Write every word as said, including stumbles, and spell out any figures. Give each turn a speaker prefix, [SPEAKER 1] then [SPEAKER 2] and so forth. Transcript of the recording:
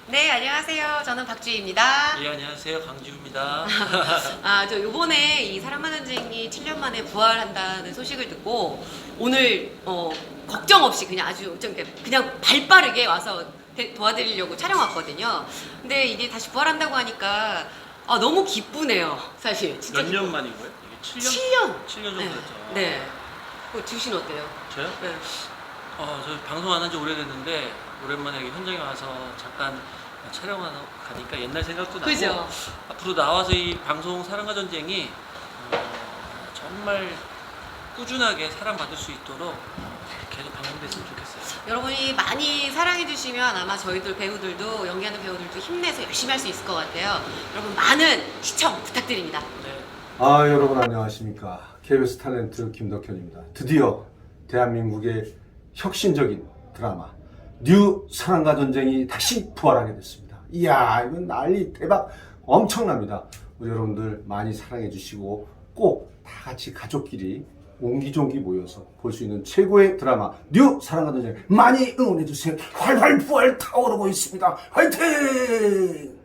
[SPEAKER 1] 네, 안녕하세요. 저는 박주희입니다.
[SPEAKER 2] 예, 안녕하세요. 강지우입니다.
[SPEAKER 1] 아, 저 요번에 이 사랑과 전쟁이 칠 년 만에 부활한다는 소식을 듣고 오늘 어, 걱정 없이 그냥 아주 좀 이렇게 그냥 발 빠르게 와서 대- 도와드리려고 촬영 왔거든요. 근데 이게 다시 부활한다고 하니까 아, 너무 기쁘네요. 사실 진짜
[SPEAKER 2] 몇 년 만인 거예요? 이게 칠 년?
[SPEAKER 1] 칠 년.
[SPEAKER 2] 칠 년 정도
[SPEAKER 1] 네.
[SPEAKER 2] 됐죠.
[SPEAKER 1] 네. 그 주신 어때요?
[SPEAKER 2] 저요?
[SPEAKER 1] 네.
[SPEAKER 2] 어, 저 방송 안 한 지 오래됐는데 오랜만에 여기 현장에 와서 잠깐 촬영하러 가니까 옛날 생각도 나고
[SPEAKER 1] 그죠?
[SPEAKER 2] 앞으로 나와서 이 방송 사랑과 전쟁이 어, 정말 꾸준하게 사랑받을 수 있도록 계속 방송됐으면 좋겠어요.
[SPEAKER 1] 여러분이 많이 사랑해주시면 아마 저희들 배우들도 연기하는 배우들도 힘내서 열심히 할 수 있을 것 같아요. 여러분 많은 시청 부탁드립니다.
[SPEAKER 2] 네.
[SPEAKER 3] 아, 여러분 안녕하십니까. 케이비에스 탤런트 김덕현입니다. 드디어 대한민국의 혁신적인 드라마 뉴 사랑과 전쟁이 다시 부활하게 됐습니다. 이야, 이건 난리 대박 엄청납니다. 우리 여러분들 많이 사랑해 주시고 꼭 다 같이 가족끼리 옹기종기 모여서 볼 수 있는 최고의 드라마 뉴 사랑과 전쟁 많이 응원해 주세요. 활활 부활 타오르고 있습니다. 화이팅!